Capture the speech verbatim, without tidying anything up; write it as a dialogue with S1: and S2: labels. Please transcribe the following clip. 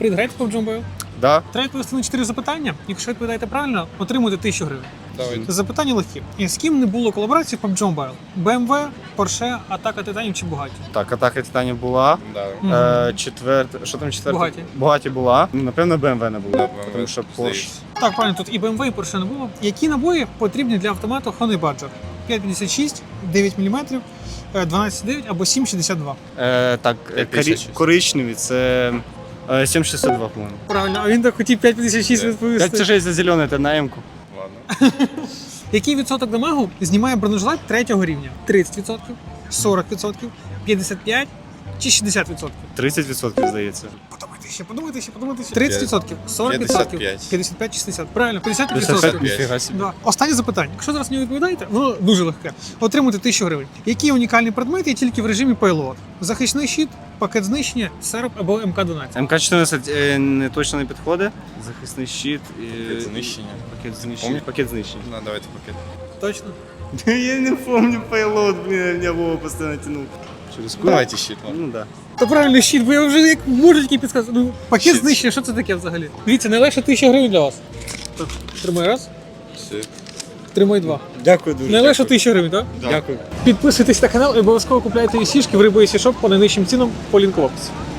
S1: Привіт, граєте в пабг Mobile?
S2: Да.
S1: Треба відповісти на чотири запитання. Якщо відповідаєте правильно, отримуєте тисячу гривень.
S3: Давайте.
S1: Запитання легкі. І з ким не було колаборації в пабг Mobile? бе ем ве, Porsche, Атака Титанів чи Бугаті?
S2: Так, атака Титанів була.
S3: Да.
S1: Мгм.
S2: Е, четверта, що там четверта?
S1: Бугаті.
S2: Бугаті була. Ну, напевно, бе ем ве не було.
S3: Да, бе ем ве,
S2: Тому що Porsche.
S3: здається.
S1: Так, правильно, тут і бе ем ве, і Porsche не було. Які набої потрібні для автомату Honey Badger? п'ять п'ятдесят шість, дев'ять міліметрів, дванадцять дев'ять або сім шістдесят два.
S2: Е, так, е,
S3: п'ять п'ятдесят шість.
S2: корі- коричневі це е, сім шістдесят два, по-моєму.
S1: Правильно, а він так хотів п'ять п'ятдесят шість
S3: Е,
S1: відповісти.
S2: Так, це ж за зелене, це на М-ку.
S3: Ладно.
S1: Який відсоток дамагу знімає бронежилет третього рівня? тридцять відсотків, сорок відсотків, п'ятдесят п'ять чи шістдесят відсотків?
S2: тридцять відсотків, здається.
S1: Подумайте ще, подумайте ще, подумайте ще. тридцять відсотків, сорок
S3: п'ятдесят
S1: відсотків,
S3: п'ять.
S1: п'ятдесят п'ять, шістдесят. Правильно, п'ятдесят
S2: п'ятдесят
S1: відсотків.
S2: п'ять, ніфіга собі.
S1: Да. Останнє запитання. Якщо зараз не відповідаєте, воно дуже легке. Отримуєте тисячу гривень. Які унікальні предмети є тільки в режимі Payload? Захисний щит, пакет знищення, серп або ем ка дванадцять.
S2: М К чотирнадцять е, не точно не підходить. Захисний щит. І...
S3: Пакет знищення.
S2: Пакет знищення.
S3: Помню.
S2: Пакет знищення.
S3: Ну, давайте пакет.
S1: Точно?
S2: Я не помню пейлот, блин, меня Вова постоянно тянул. Через куда?
S3: Давайте щит, ладно.
S2: Ну да.
S1: То правильно, щит, бо я вже як можу тільки підказати. Ну, пакет
S3: Щит.
S1: знищення, що це таке взагалі? Дивіться, найлегше тисяча гривень для вас. Так, тримай раз,
S3: Все.
S1: тримай два.
S2: Дякую дуже.
S1: Найлегше тисяча гривень, так?
S3: Да.
S2: Дякую.
S1: Підписуйтесь на канал і обов'язково купляйте сішки в Рибу Сішоп по найнижчим цінам по лінку в описі.